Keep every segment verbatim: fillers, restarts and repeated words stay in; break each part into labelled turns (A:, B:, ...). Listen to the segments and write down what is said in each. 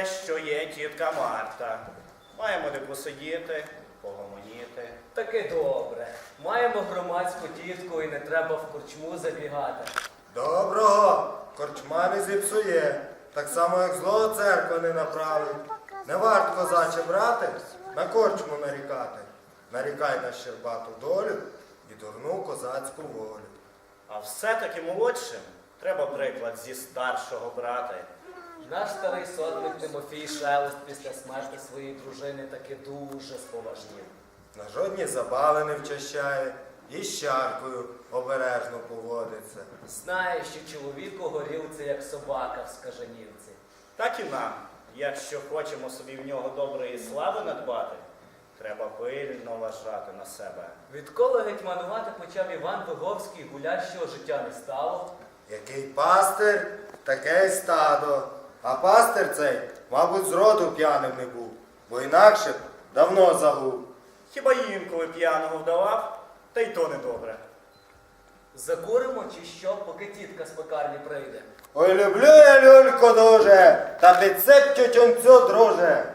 A: добре, що є тітка Марта. Маємо де посидіти, погомоніти.
B: Таки добре. Маємо громадську тітку і не треба в корчму забігати.
C: Доброго корчма не зіпсує, так само, як злого церква не направить. Не варт, козаче, брати, на корчму нарікати. Нарікай на щербату долю і дурну козацьку волю.
A: А все-таки молодшим треба приклад зі старшого брати.
B: Наш старий сотник Тимофій Шелест після смерті своєї дружини таки дуже споважнів.
C: На жодні забави не вчащає і з чаркою обережно поводиться.
B: Знає, що чоловік у горілці, як собака в скаженівці.
A: Так і нам, якщо хочемо собі в нього доброї слави надбати, треба пильно вважати на себе.
B: Відколи гетьманувати почав Іван Виговський, гулящого життя не стало.
C: Який пастир, таке й стадо. А пастир цей, мабуть, зроду п'яним не був, бо інакше б давно загув.
A: Хіба інколи п'яного вдавав, та й то недобре.
B: Закуримо чи що, поки тітка з пекарні прийде?
C: Ой, люблю я люльку дуже, та підсип тютюнцю, друже.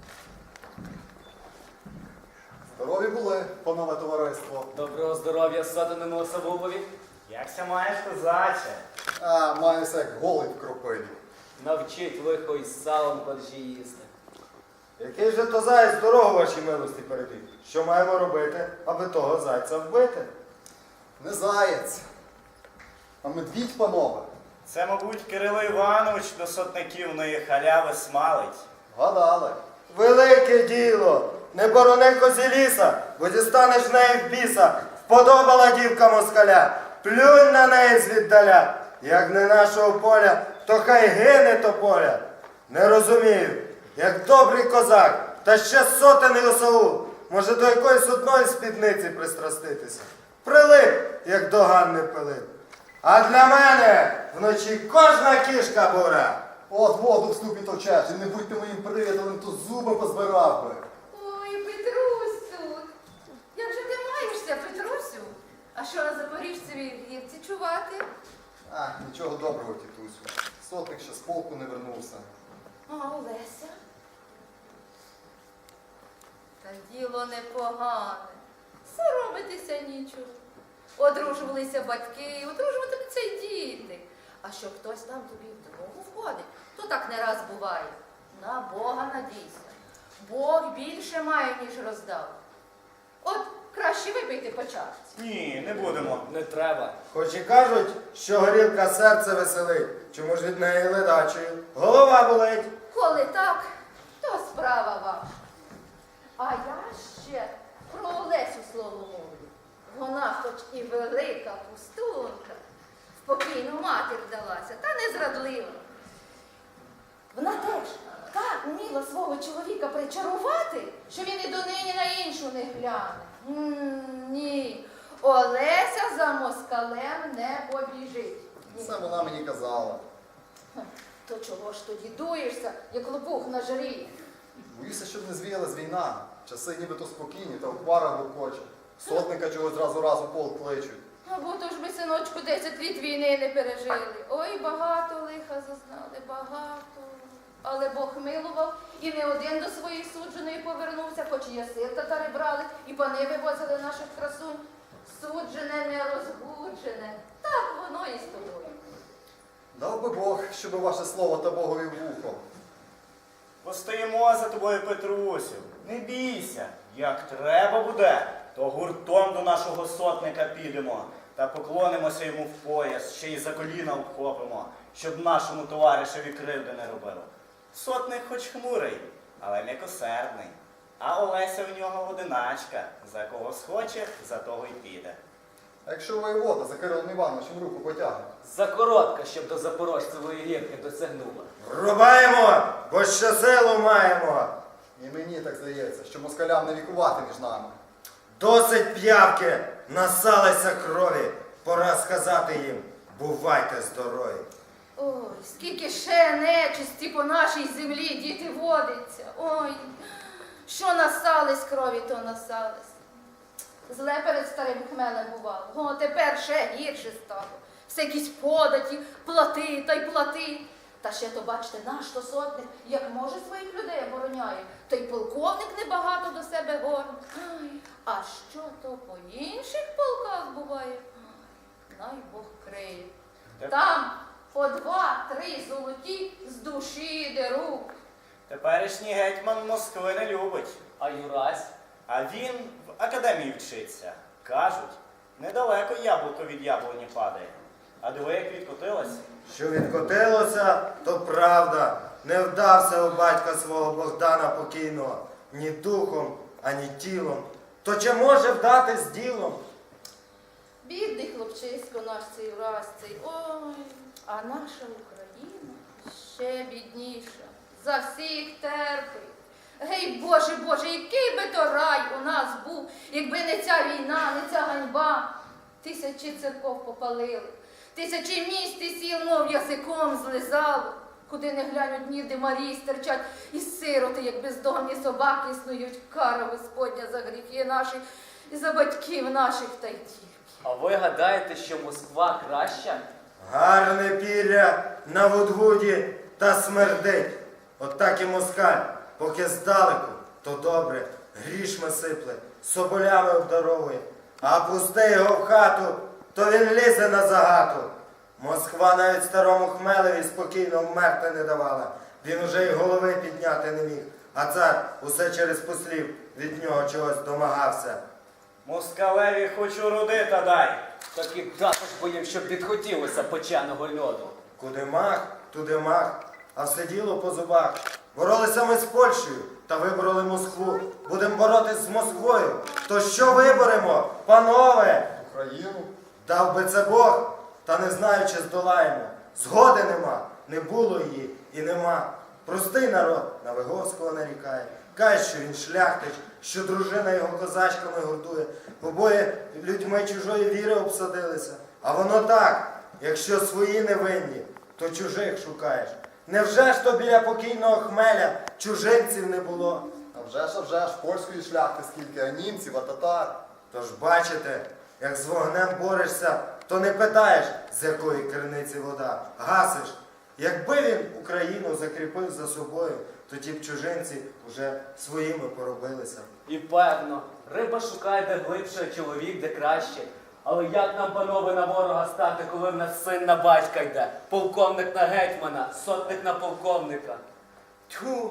D: Здорові були, панове товариство.
B: Доброго здоров'я сотеному особові.
A: Якся маєш, козаче?
D: А, маюся як голий в кропиві.
B: Навчить лихо із салом коржі їсти.
C: Який же то заєць дорогу вашій милості перебіг? Що маємо робити, аби того зайця вбити?
D: Не заєць, а медвідь, панове.
A: Це, мабуть, Кирило Іванович до сотниківної халяви смалить.
D: Гадали.
C: Велике діло! Не борони козі ліса, бо дістанеш в неї в біса. Вподобала дівка москаля, плюнь на неї звіддаля. Як не нашого поля, то хай гине тополя. Не розумію, як добрий козак, та ще сотений осаул, може до якоїсь одної спідниці пристраститися. Прилип, як до Ганни Пилип. А для мене вночі кожна кішка бура.
D: От воду в ступі товчеш, і не будьте моїм приятелем, то зуби позбирав би.
E: Ой, Петрусь тут. Як же ти маєшся, Петрусю? А що на Запоріжцевій гірці чувати?
D: А, нічого доброго, тітусю. Сотник ще з полку не вернувся.
E: А Олеся? Та діло непогане. Соромитися нічого. Одружувалися батьки, одружуватимуться й діти. А що хтось там тобі в дорогу входить, то так не раз буває. На Бога надійся. Бог більше має, ніж роздав. От краще випийте по чарці.
A: Ні, не будемо.
B: Не треба.
C: Хоч і кажуть, що горілка серце веселить, чому ж від неї ледачою голова болить.
E: Коли так, то справа ваша. А я ще про Олесю слово мовлю. Вона хоч і велика пустунка, в покійну матір вдалася, та не зрадлива. Вона теж так вміла свого чоловіка причарувати, що він і донині на іншу не гляне. М, Ні, Олеся за москалем не побіжить. Ні.
D: Це вона мені казала.
E: То чого ж тоді дуєшся, як лопух на жарі?
D: Боюся, щоб не звіялась війна. Часи нібито спокійні, та в парах гуркоче. Сотника чогось разу разу полк кличуть.
E: Або то ж ми, синочку, десять літ війни не пережили. Ой, багато лиха зазнали, багато. Але Бог милував, і не один до своєї судженої повернувся, хоч і ясир татари брали, і пани вивозили наших красунь. Суджене, не розгуджене. Так воно і з тобою.
D: Дав би Бог, щоби ваше слово та Богові вухо.
A: Постоїмо за тобою, Петрусю. Не бійся. Як треба буде, то гуртом до нашого сотника підемо та поклонимося йому в пояс, ще й за коліна обхопимо, щоб нашому товаришеві кривди не робило. Сотник хоч хмурий, але м'якосердний. А Олеся в нього одиначка. За кого схоче, за того й піде.
D: А якщо воєвода за Кирилом Івановичем руку потягне?
B: Закоротка, щоб до Запорожцевої гірки досягнула.
C: Рубаємо, бо ще силу маємо.
D: І мені так здається, що москалям не вікувати між нами.
C: Досить п'явки, насалися крові. Пора сказати їм, бувайте здорові.
E: Ой, скільки ще нечисті по нашій землі, діти, водиться. Ой, що насались крові, то насались. Зле перед старим хмелем бувало. О, тепер ще гірше стало. Все якісь податі, плати та й плати. Та ще то, бачите, наш то сотник, як може своїх людей обороняє, то й полковник небагато до себе горне. Ай, а що то по інших полках буває? Ай, най Бог криє. Там по два-три золоті з душі деруть.
A: Теперішній гетьман Москви не любить.
B: А Юрась?
A: А він в академії вчиться. Кажуть, недалеко яблуко від яблуні падає. А диви, як відкотилось.
C: Що відкотилося, то правда. Не вдався у батька свого Богдана покійного ні духом, ані тілом. То чи може вдатись ділом?
E: Бідний хлопчисько наш цей враз цей. Ой, а наша Україна ще бідніша. За всіх терпить. Гей, Боже, Боже, який би то рай у нас був, якби не ця війна, не ця ганьба. Тисячі церков попалили, тисячі міст і сіл, мов язиком злизало. Куди не глянуть, ніде Марії стерчать, і сироти, як бездомні собаки, снують. Кара Господня за гріхи наші і за батьків наших та й тільки.
B: А ви гадаєте, що Москва краща?
C: Гарне піря на Вудвуді та смердить. От так і москаль, поки здалеку, то добре, грішми сипле, соболями обдаровує. А пусти його в хату, то він лізе на загату. Москва навіть старому Хмелеві спокійно вмерти не давала. Він уже й голови підняти не міг. А цар усе через послів від нього чогось домагався.
A: Москалеві хоч уроди та дай.
B: Так і також боїм, щоб відхотілося печеного льоду.
C: Куди мах, туди мах, а все діло по зубах. Боролися ми з Польщею та вибороли Москву. Будемо боротись з Москвою. То що виборемо, панове?
D: Україну.
C: Дав би це Бог, та не знаю, чи здолаємо. Згоди нема, не було її і нема. Простий народ на Виговського нарікає. Каже, що він шляхтич, що дружина його козачками годує. Обоє людьми чужої віри обсадилися. А воно так, якщо свої невинні, то чужих шукаєш. Невже ж то біля покійного Хмеля чужинців не було?
D: А вже ж, а вже ж, польської шляхти скільки, а німців, а татар.
C: Тож бачите, як з вогнем борешся, то не питаєш, з якої криниці вода, гасиш. Якби він Україну закріпив за собою, то ті б чужинці вже своїми поробилися.
B: І певно, риба шукає де глибше, а чоловік де краще. Але як нам, панове, на ворога стати, коли в нас син на батька йде, полковник на гетьмана, сотник на полковника? Тьфу!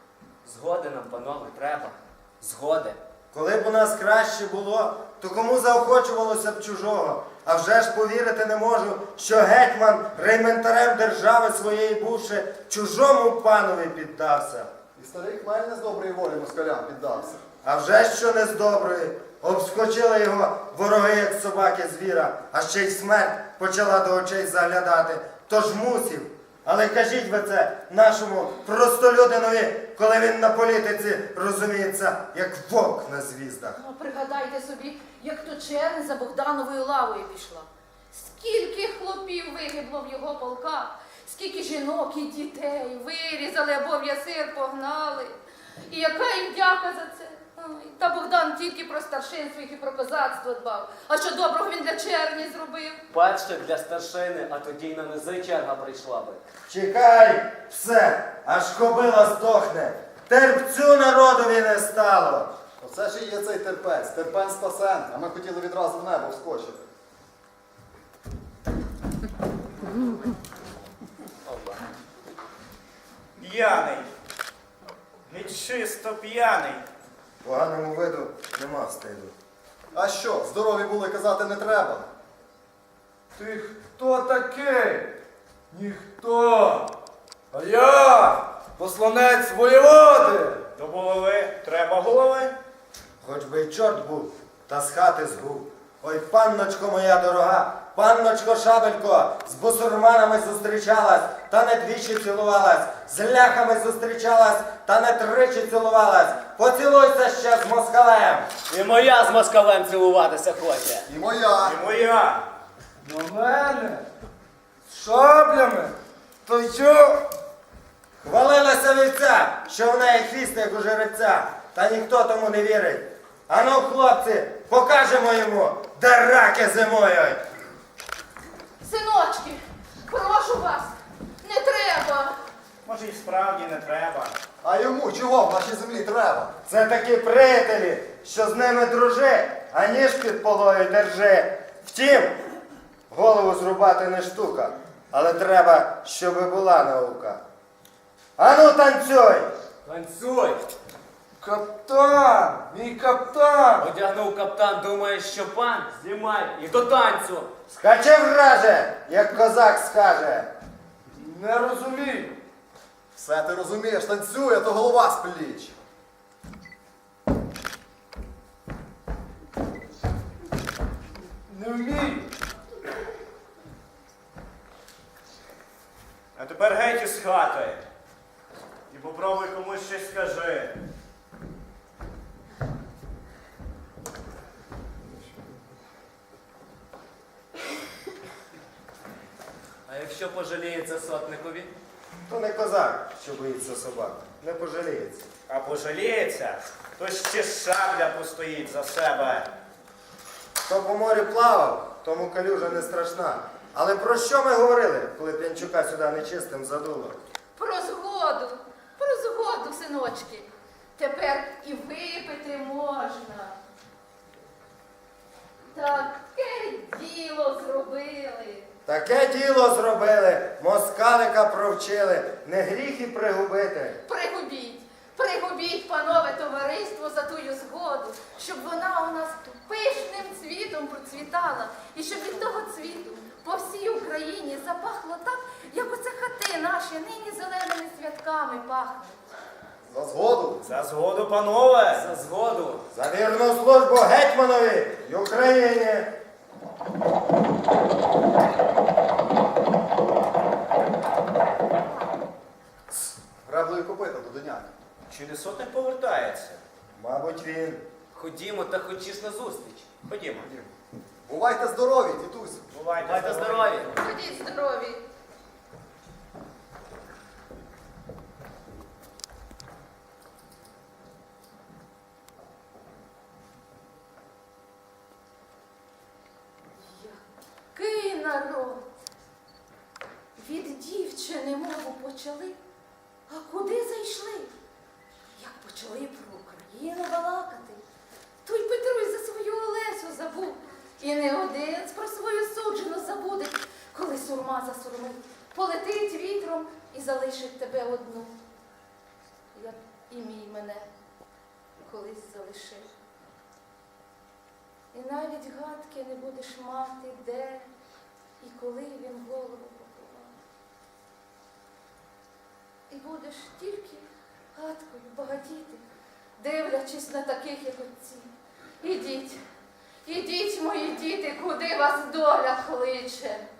B: Згоди нам, панове, треба. Згоди.
C: Коли б у нас краще було, то кому заохочувалося б чужого? А вже ж повірити не можу, що гетьман, рейментарем держави своєї бувши, чужому панові піддався.
D: І старий Хмель не з доброї волі москалям піддався.
C: А вже ж що не з доброї. Обскочили його вороги, як собаки звіра, а ще й смерть почала до очей заглядати. Тож мусів. Але кажіть ви це нашому простолюдинові, коли він на політиці розуміється, як вовк на звіздах.
E: Ну, пригадайте собі, як то чернь за Богдановою лавою пішла. Скільки хлопів вигибло в його полках, скільки жінок і дітей вирізали або в ясир погнали. І яка їм дяка за це? Ой, та Богдан тільки про старшин своїх і про козацтво дбав. А що доброго він для черні зробив?
B: Перше для старшини, а тоді й на низи черга прийшла би.
C: Чекай, все, аж кобила здохне. Терпцю народові не стало.
D: Оце ж і є цей терпець, терпець спасен, а ми хотіли відразу в небо вскочити.
A: П'яний. Геть чисто п'яний.
C: Поганому виду нема стиду.
D: А що, здорові були, казати не треба.
F: Ти хто такий? Ніхто. А я посланець воєводи.
A: До голови треба голови.
C: Хоч би й чорт був, та з хати згув. Ой, панночко моя дорога, панночко Шабелько, з бусурманами зустрічалась, та не двічі цілувалась, з ляхами зустрічалась, та не тричі цілувалась. Поцілуйся ще з москалем.
B: І моя з москалем цілуватися хоче.
D: І моя.
A: І моя.
F: На мене з шаблями. То що?
C: Хвалилася вівця, що в неї хвіст, як у жеребця, та ніхто тому не вірить. Ану, хлопці, покажемо йому, де раки зимують.
E: Синочки, прошу вас, не треба.
A: справді не треба.
D: А йому чого в нашій землі треба?
C: Це такі приятелі, що з ними дружи, а ніж під полою держи. Втім, голову зрубати не штука, але треба, щоби була наука. Ану, танцюй!
B: Танцюй!
F: Каптан, мій каптан!
B: Одягнув каптан, думає, що пан, знімай і до танцю.
C: Скачи враже, як козак скаже.
F: Не розумію.
D: Все ти розумієш, танцює, то голова з пліч.
F: Не вмію.
A: А тепер геть із хати. І попробуй комусь щось скажи.
B: А якщо пожаліється сотникові?
C: То не козак, що боїться собак, не пожаліється.
A: А пожаліється, то ще шабля постоїть за себе.
C: Хто по морі плавав, тому калюжа не страшна. Але про що ми говорили, коли П'янчука сюди нечистим задуло?
E: Про згоду, про згоду, синочки. Тепер і випити можна. Таке діло зробили.
C: Таке діло зробили, москалика провчили, не гріх і пригубити.
E: Пригубіть, пригубіть, панове товариство, за тую згоду, щоб вона у нас пишним цвітом процвітала, і щоб від того цвіту по всій Україні запахло так, як оце хати наші нині зеленими святками пахнуть.
D: За згоду.
A: За згоду, панове!
B: За згоду.
C: За вірну службу гетьманові й Україні.
D: Греблою копита до доняк.
A: Чи не сотник повертається?
C: Мабуть, він.
B: Ходімо та хочеш на зустріч.
A: Ходімо.
D: Бувайте здорові, дідусь.
A: Бувайте,
B: Бувайте здорові.
E: Ходіть здорові. Який народ! Від дівчини мову почали, а куди зайшли? Як почали про Україну балакати, то й Петрусь за свою Олесю забув. І не один про свою суджену забуде, коли сурма засурмить, полетить вітром і залишить тебе одну, як і мій мене колись залишив. І навіть гадки не будеш мати, де і коли він голову поховав. І будеш тільки гадкою багатіти, дивлячись на таких, як отці. Ідіть, ідіть, мої діти, куди вас доля кличе.